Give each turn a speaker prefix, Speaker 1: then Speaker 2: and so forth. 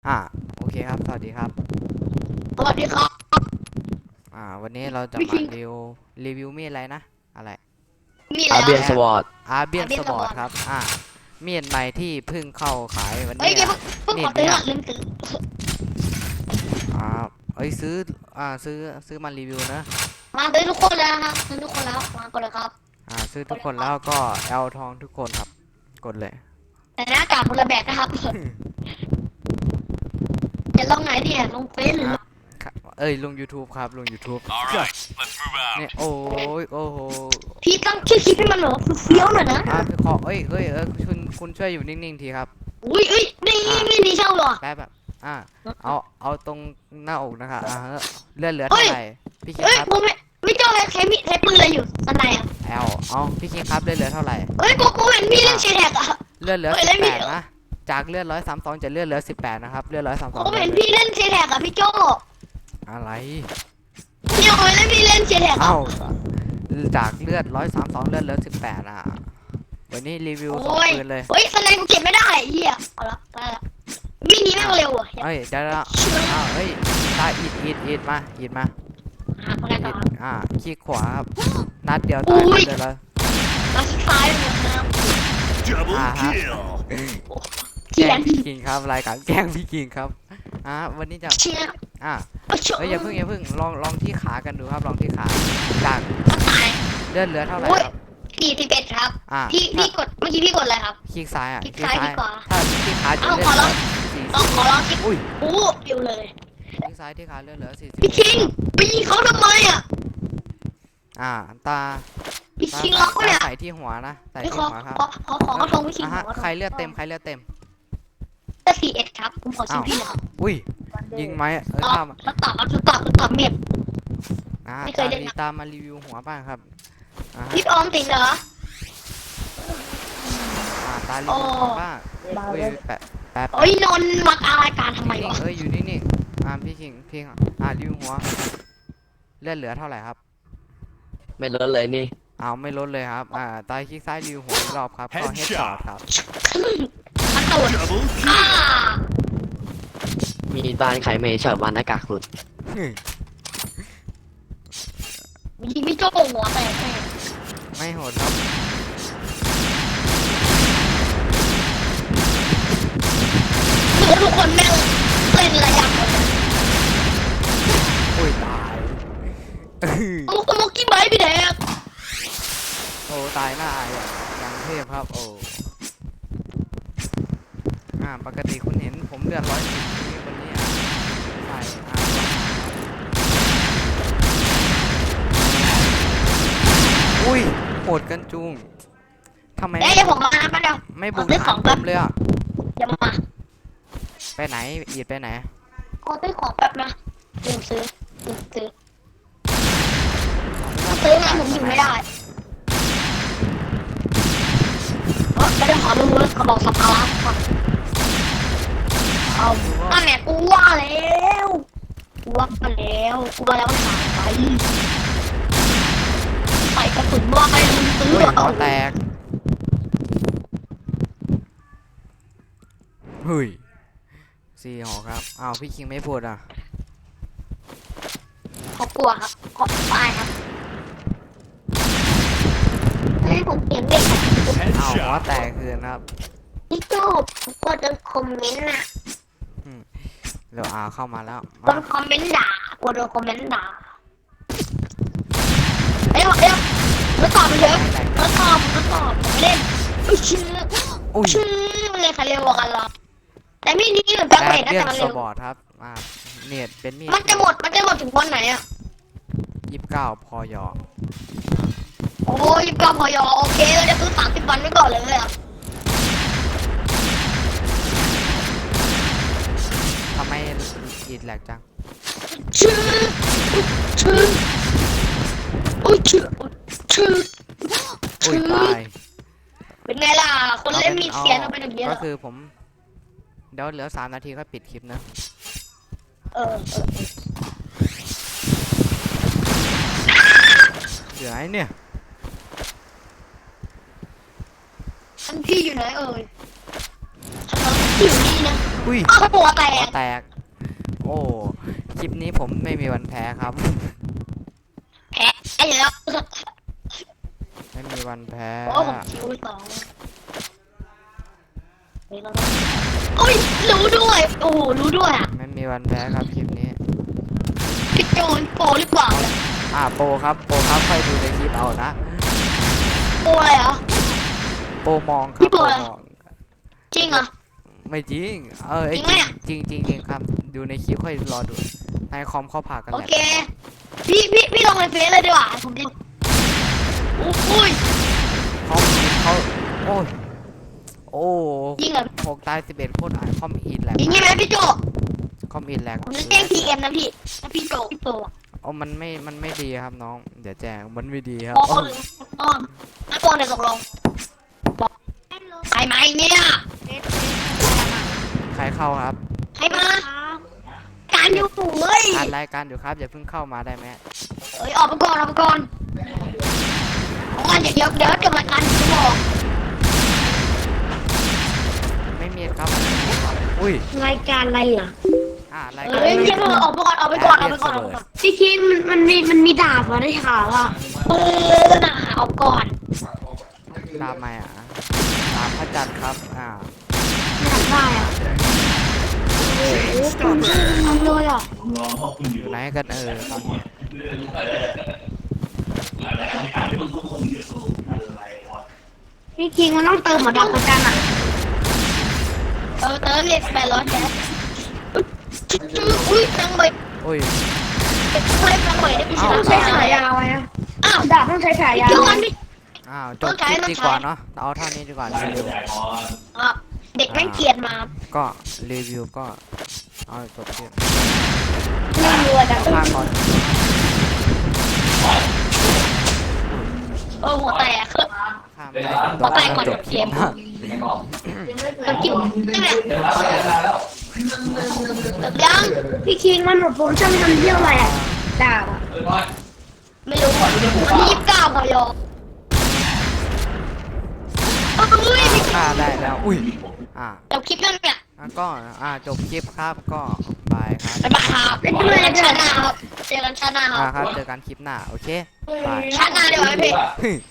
Speaker 1: อ่าโอเคครับสวัสดีครับ
Speaker 2: สวัสดีครับ
Speaker 1: วันนี้เราจะ
Speaker 2: พี่คิง
Speaker 1: มารีวิวมีดอะไรนะอะไร
Speaker 2: มีอะไร
Speaker 3: อาเบียน
Speaker 1: แอ
Speaker 3: สวอต
Speaker 1: อาเบียน
Speaker 2: อาเบียนสวอต
Speaker 1: สปอร์ตครับมีดใหม่ที่เพิ่งเข้าขายวัน
Speaker 2: เอ้ย
Speaker 1: นี้
Speaker 2: เดี๋ยวเพิ่ง
Speaker 1: มี
Speaker 2: ขอตื้อ
Speaker 1: ดเนี่ย
Speaker 2: ก่อนลืมตื้อ
Speaker 1: อ่าเอ้ยซื้อมารีวิวนะ
Speaker 2: มาตื้อทุกคนแล้วนะครับตื้อทุกคนแล้วมาก่อนเลยครับ
Speaker 1: ซื้อทุกคนแล้วก็เอาทองทุกคนครับกดเลย
Speaker 2: แต่หน้ากากคนละแบบนะครับจะลงไหนดีลงเฟซหรือ
Speaker 1: ครับเอ้ยลง YouTube ครับลง YouTube
Speaker 4: Alright, let's move out.
Speaker 1: เนี่ยโอ้ยโอ้โห
Speaker 2: พี่ตั้งชื่อคลิปให้มันเหรอเฟี้ยวหน่อยนะ
Speaker 1: พี่ขอคุณช่วยอยู่นิ่งๆทีครับ
Speaker 2: อุ้ยนี่ไม่ดีเช่าหรอ
Speaker 1: แป๊บแบบเอาตรงหน้าอกนะคะเลือดเหลือเท่าไหร่พี่คิง
Speaker 2: เอ้ย
Speaker 1: ครับ
Speaker 2: ผมไม่เจ้าใช้มีดใช้ปืนอะไรอยู่สไนอ่ะ
Speaker 1: เอาพี่คิงครับเลือดเหลือเท่าไหร่
Speaker 2: เอ้ยกูเห็นพี่เล่นเชแท็กอ่ะ
Speaker 1: เลือดเหลือ
Speaker 2: เฮ้ย
Speaker 1: สิ
Speaker 2: เล่
Speaker 1: บ
Speaker 2: น
Speaker 1: แป
Speaker 2: มี
Speaker 1: ดนะจากเลือด132จะเลือดเหลือ18นะครับเลือด132
Speaker 2: ผมเห็นพี่เล่นเชแท็กอ่ะพี่โจ
Speaker 1: อะไร
Speaker 2: พี่โจเล่นพี่เล่นเชแท็กอ่ะ
Speaker 1: จากเลือด132เลือดเหลือ18วันนี้รีวิวสองปืนเลย
Speaker 2: เฮ้ยสไนกูเก็บไม่ได้เฮียเอาละได้ละวิ่งนี้แม่งเร็วอ่ะ
Speaker 1: เฮ้ยเดี๋ยวเฮ้ยตาอิดมา
Speaker 2: หาคนแรกก่อน
Speaker 1: คลิกขวาครับนัดเดียวตายเลยแล้ว
Speaker 2: มาชิดซ้ายเลยนะครับ
Speaker 4: Double
Speaker 1: Uh-huh.
Speaker 4: kill.
Speaker 2: เขียน
Speaker 1: พี่คิงครับรายการแกล้งพี่คิงครับวันนี้จะ
Speaker 2: เชียร์
Speaker 1: อ่า
Speaker 2: เชื่อ
Speaker 1: เฮ้ยอย่าเพิ่งลองที่ขากันดูครับลองที่ขาจาก
Speaker 2: ตาย
Speaker 1: เลือดเหลือเท่าไหร่ครับ
Speaker 2: 41ครับ พี่กดเมื่อกี้พี่กดอะไรครับ
Speaker 1: คลิกซ้าย
Speaker 2: คลิกซ้ายดีกว่า
Speaker 1: ถ้าคลิกขาจะ
Speaker 2: เอา
Speaker 1: เลื
Speaker 2: ขอ
Speaker 1: อด
Speaker 2: ลอง
Speaker 1: สี่
Speaker 2: ขอลองคลิก
Speaker 1: อุ้ย
Speaker 2: โอ้ปิวเลย
Speaker 1: คลิกซ้ายที่ขาเลือดเหลือ40
Speaker 2: พี่คิงไปยิงเขาทำไมอ่ะ
Speaker 1: ตา
Speaker 2: พี่คิงล็อกเนี่ย
Speaker 1: ใส่ที่หัวนะใส่
Speaker 2: พี่
Speaker 1: ที่
Speaker 2: ขอ
Speaker 1: หัวครับ
Speaker 2: ของกระทงพี่คิง
Speaker 1: ใครเลือดเต็ม
Speaker 2: แต่41ครับผมขอชิมพี่นะครับ
Speaker 1: อุ้ยยิงไหม
Speaker 2: ตอบเมียบไม่เคยเล่นนะ
Speaker 1: ตามมารีวิวหัวบ้างครับ
Speaker 2: พี่ออมติดเหรอ
Speaker 1: ตารีวิวหัวบ้างอุ้ยแปะ
Speaker 2: โอ้ยนนมารายการทำไมวะ
Speaker 1: อยู่นิ่งพี่คิงรีวิวหัวเลือดเหลือเท่าไหร่ครับ
Speaker 3: ไม่ลดเลยนี่
Speaker 1: ไม่ลดเลยครับตายคลิกซ้ายรีวิวหัวอีกรอบครับก็เฮดช็อตครับ
Speaker 2: มันตูด
Speaker 4: Double
Speaker 2: อ่า
Speaker 4: kill.
Speaker 3: มีบ้านใครไม่ชอบวันหน้ากากหลุด
Speaker 2: ยิงพี่โจ้หัวแตกแน่
Speaker 1: ไม่โหดครับ
Speaker 2: ทุกคนแม่งเล่นระยะหมดเลย
Speaker 1: อุ้ยตาย
Speaker 2: มุกกี้ไบพี่แดก
Speaker 1: โอ้ตายหน้าอย่างเทพครับโอ้ปกติคุณเห็นผมเลือด110วันนี้ใส่อุ้ยโหดกันจุงทำไม
Speaker 2: เดี๋ยวผมมานะเดี๋ยว
Speaker 1: ไม่บุกฐานผมเลย
Speaker 2: เดี๋ยวมา
Speaker 1: ไปไหนอีดไปไหน
Speaker 2: ขอซื้อของแป๊บนะลืมซื้อซื้อไงผมอยู่ไม่ได้ไม่ได้ขอดูกระบอกสับปะรดก่อนเอาตั้งแต่กูว่าแล้วว่ามันหายไปกระสุนว่าไปลืมซื้อ
Speaker 1: หัวแตกเฮ้ย4 หอครับพี่คิงไม่พูด
Speaker 2: ขอกลัวครับขอตายครับให้ผมเขียนเด็ก
Speaker 1: หัว
Speaker 4: Headshot.
Speaker 1: แตกคืนครับ
Speaker 2: พี่โจ้กดโดนคอมเมนต์น่ะ
Speaker 1: เดี๋ยวเข้ามาแล้ว
Speaker 2: โดนคอมเมนต์ด่ากดโดนคอมเมนต์ด่าแล้วตอบไปเถอะแล้วตอบไม่เล่นไม่เชื่อมันเลยใครเร็วกว่ากันหรอแต่มีนี้เหมือนแบงค์เมดนะ
Speaker 1: เลื่อ
Speaker 2: แต่
Speaker 1: น
Speaker 2: มัน
Speaker 1: ส
Speaker 2: เร็ว
Speaker 1: บอร์ดครับเน็ตเป็นมีด
Speaker 2: มันจะหมดถึงวันไหนอ่ะ
Speaker 1: 29พอยอ
Speaker 2: โอ้ยก็พอยโอเคเราจะซื้อ30 วันไว้ก่อนเลยอ่ะ
Speaker 1: ทำไมอีดแหลกจัง
Speaker 2: ชื่อโอ้ยชื่อ
Speaker 1: อุ้ยตาย
Speaker 2: เป็นไงล่ะคนเล่นมีเสียงเอาไปอย่างเงี้ย
Speaker 1: ก็คือผมเดี๋ยวเหลือ3 นาทีก็ปิดคลิปนะเหลือไอ้เนี่ย
Speaker 2: ท่านพี่อยู่ไหนเอ่ยอยู่นี่นะ
Speaker 1: อุ้ยอุ้ย
Speaker 2: อ้าวหัวแต
Speaker 1: หัว
Speaker 2: ก
Speaker 1: แตก โอ้คลิปนี้ผมไม่มีวันแพ้ครับ
Speaker 2: แพ้ไอ้แล้ว
Speaker 1: ไม่มีวันแพ้
Speaker 2: โอ้ผมคิวสองโอ้ยรู้ด้วยโอ้โหรู้ด้วยอ่ะ
Speaker 1: ไม่มีวันแพ้ครับคลิปนี้
Speaker 2: พี่โจนโปรหรือเปล่า
Speaker 1: โปรครับโปรครับค่อยดูในคลิปเอานะ
Speaker 2: โปรอะไรเหรอ
Speaker 1: โปรมองค
Speaker 2: พี่
Speaker 1: รับ
Speaker 2: โปร
Speaker 1: โปร
Speaker 2: อะไร
Speaker 1: มอง
Speaker 2: จริงเหรอ
Speaker 1: ไม่จริง
Speaker 2: จริงไหมอะ
Speaker 1: จริงจริงจริงครับ ดูในคลิปค่อยรอดูในคอมเข้าผ่ากัน
Speaker 2: โอ
Speaker 1: แหละ
Speaker 2: เคพี่ลงในเฟซเลยดีกว่าผมจะอุ้ย
Speaker 1: เขาโอ้ยโอ้
Speaker 2: ยิงเหรอ
Speaker 1: 6 ตาย 11 โคตรอ่านคอมอินแหลก
Speaker 2: ยิงใช่ไหมพี่โจ
Speaker 1: คอมอินแหลก
Speaker 2: ผมจะแจ้งพีเอ็มนะพี่ถ้าพี่โจพี่โจ
Speaker 1: โอ้มันไม่ดีครับน้องเดี๋ยวแจ้งมันไม่ดีครับ
Speaker 2: โอ้
Speaker 1: โอ้
Speaker 2: ยอ้อมนักบอลเนี่ยตกลงใครมาอีกเนี่ย
Speaker 1: ใครเข้าครับ
Speaker 2: ใครมาการอยู่เฮ้ย
Speaker 1: อ่านรายการอยู่ครับอย่าเพิ่งเข้ามาได้ไหม
Speaker 2: เอ้ยออกมาก่อนออกมาก่อนเดี๋ยวจะมาการจะบอก
Speaker 1: ไม่มีครับอุ้ย
Speaker 2: รายการอะไรเหรอ
Speaker 1: รายการ
Speaker 2: เฮ้ยพี่เพิ่งออกมาก่อนออกไปก่อนออกไปก่อนพี่คิมมันมีดาบมาได้ข่าวอ่ะน่ะเอาก่อน
Speaker 1: ตามมาตามพระจันทร์ครับ
Speaker 2: อยากได้อ่ะโอ้โหผมชื่อมันเลยอ่ะ
Speaker 1: อยู่ไหนกันตอนนี้
Speaker 2: พี่คิงมันต้องเติมหมดดาวประกันอ่ะเติมเรียก800แก๊สอุ้ยตังใบ
Speaker 1: อุ้ย
Speaker 2: ไม่ตังใบได้พี่ชนะใช้ฉายาวไงอ้าวดาบต้องใช้ฉายาวเดี๋ยวกันดิ
Speaker 1: จบคลิปดีกว่าเนาะเอาเท่านี้ดีกว่ารีวิว
Speaker 2: เด็กแม่งเกลียดมา
Speaker 1: ก็รีวิวก็เอาจบคลิป
Speaker 2: ไม่รัวดัง
Speaker 1: ภาคก่อน
Speaker 2: หัวแตก
Speaker 1: ข้ามไม่ได้
Speaker 2: หัวแตกก่อน
Speaker 1: จบคลิปนะ
Speaker 2: กับกิ๊บนี่แหละยังพี่คิงมันหมดโปรโมชั่นมันเที่ยวอะไรอ่ะดาบอ่ะไม่รู้วันที่29พอยออุ้ย
Speaker 1: ฆ่าได้แล้วอุ้ย
Speaker 2: จบคลิปแล้วเนี่ย
Speaker 1: ก็จบคลิปครับก็บายครับ
Speaker 2: บ๊ายบายครับเจอกันชาติหน้าครับเจอกันชาติหน้าครับ
Speaker 1: ครับเจอกันคลิปหน้าโอเคบาย
Speaker 2: ชาติหน้าเดี๋ยวไว้พี่
Speaker 1: เฮ้ย